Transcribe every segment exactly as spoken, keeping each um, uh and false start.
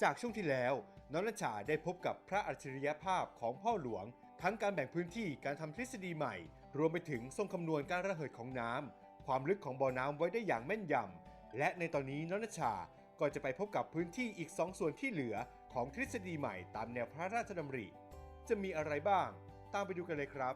จากช่วงที่แล้วน้องณชาได้พบกับพระอัจฉริยภาพของพ่อหลวงทั้งการแบ่งพื้นที่การทำทฤษฎีใหม่รวมไปถึงทรงคำนวณการระเหยของน้ำความลึกของบ่อน้ำไว้ได้อย่างแม่นยำและในตอนนี้น้องณชาก็จะไปพบกับพื้นที่อีกสองส่วนที่เหลือของทฤษฎีใหม่ตามแนวพระราชดำริจะมีอะไรบ้างตามไปดูกันเลยครับ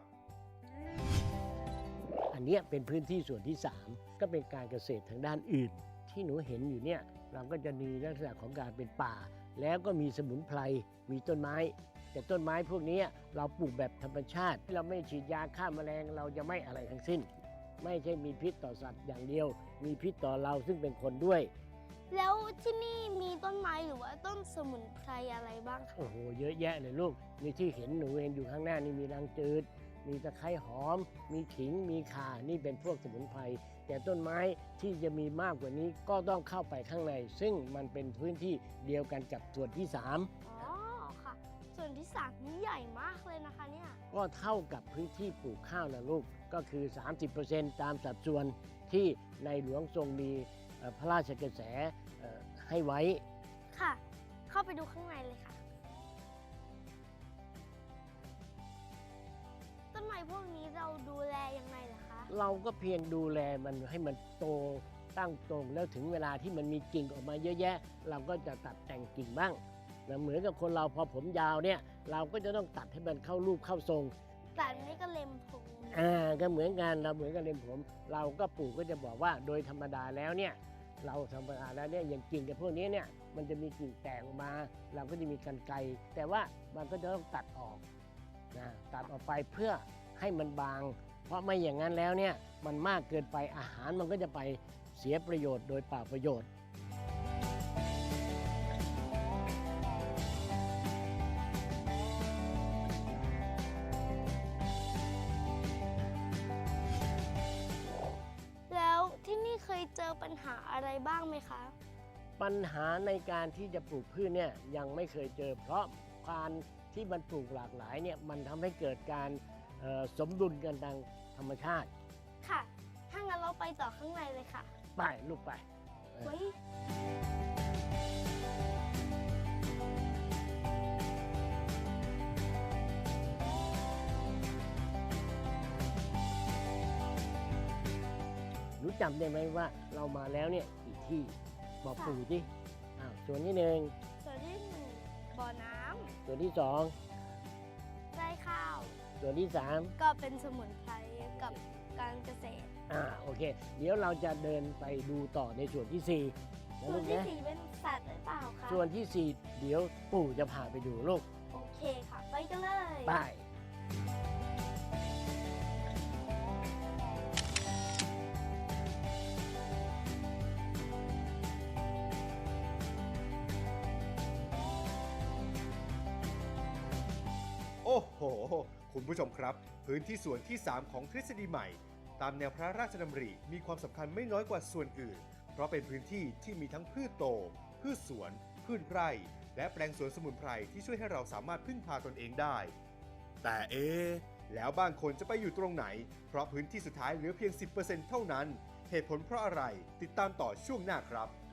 อันนี้เป็นพื้นที่ส่วนที่สามก็เป็นการเกษตรทางด้านอื่นที่หนูเห็นอยู่เนี่ยเราก็จะมีลักษณะของการเป็นป่าแล้วก็มีสมุนไพรมีต้นไม้แต่ต้นไม้พวกนี้เราปลูกแบบธรรมชาติเราไม่ฉีดยาฆ่าแมลงเราจะไม่อะไรทั้งสิ้นไม่ใช่มีพิษต่อสัตว์อย่างเดียวมีพิษต่อเราซึ่งเป็นคนด้วยแล้วที่นี่มีต้นไม้หรือว่าต้นสมุนไพรอะไรบ้างคะโอ้โหเยอะแยะเลยลูกนี่ที่เห็นหนูเห็นอยู่ข้างหน้านี่มีรังจืดมีตะไคร้หอมมีขิงมีข่านี่เป็นพวกสมุนไพรแต่ต้นไม้ที่จะมีมากกว่านี้ก็ต้องเข้าไปข้างในซึ่งมันเป็นพื้นที่เดียวกันกับส่วนที่สามอ๋อค่ะส่วนที่สามนี่ใหญ่มากเลยนะคะเนี่ยก็เท่ากับพื้นที่ปลูกข้าวนะลูกก็คือ สามสิบเปอร์เซ็นต์ ตามสัดส่วนที่ในหลวงทรงมีพระราชกระแสให้ไว้ค่ะเข้าไปดูข้างในเลยค่ะต้นไม้พวกนี้เราดูแลยังไงล่ะคะเราก็เพียงดูแลมันให้มันโตตั้งตรงแล้วถึงเวลาที่มันมีกิ่งออกมาเยอะแยะเราก็จะตัดแต่งกิ่งบ้างนะเหมือนกับคนเราพอผมยาวเนี่ยเราก็จะต้องตัดให้มันเข้ารูปเข้าทรงแต่นี่ก็เล็มผมอ่าก็เหมือนกันเราเหมือนกับเล็มผมเราก็ปลูกก็จะบอกว่าโดยธรรมดาแล้วเนี่ยเราธรรมดาแล้วเนี่ยอย่างกิ่งกับพวกนี้เนี่ยมันจะมีกิ่งแตกออกมาเราก็จะมีกรรไกรแต่ว่ามันก็จะต้องตัดออกนะตัดออกไปเพื่อให้มันบางเพราะไม่อย่างนั้นแล้วเนี่ยมันมากเกินไปอาหารมันก็จะไปเสียประโยชน์โดยเปล่าประโยชน์แล้วที่นี่เคยเจอปัญหาอะไรบ้างไหมคะปัญหาในการที่จะปลูกพืชเนี่ยยังไม่เคยเจอเพราะการที่มันปลูกหลากหลายเนี่ยมันทำให้เกิดการสมดุลกันทางธรรมชาติค่ะถ้างั้นเราไปต่อข้างในเลยค่ะไปลูกไปเฮ้ยรู้จำได้ไหมว่าเรามาแล้วเนี่ยกี่ที่บอกปู่ที่อ้าวส่วนที่หนึ่งส่วนที่หนึ่งบ่อน้ำส่วนที่สองไร่ข้าวส่วนที่สามก็เป็นสมุนไพรกับการเกษตรอ่าโอเคเดี๋ยวเราจะเดินไปดูต่อในส่วนที่สี่ส่วนที่สี่เป็นสัตว์หรือเปล่าคะส่วนที่สี่เดี๋ยวปู่จะพาไปดูลูกโอเคค่ะไปกันเลยไปโอ้โหคุณผู้ชมครับพื้นที่ส่วนที่สามของทฤษฎีใหม่ตามแนวพระราชดำริมีความสำคัญไม่น้อยกว่าส่วนอื่นเพราะเป็นพื้นที่ที่มีทั้งพืชโตพืชสวนพืชไร่และแปลงสวนสมุนไพรที่ช่วยให้เราสามารถพึ่งพาตนเองได้แต่เอ๊ะแล้วบางคนจะไปอยู่ตรงไหนเพราะพื้นที่สุดท้ายเหลือเพียง สิบเปอร์เซ็นต์ เท่านั้นเหตุผลเพราะอะไรติดตามต่อช่วงหน้าครับ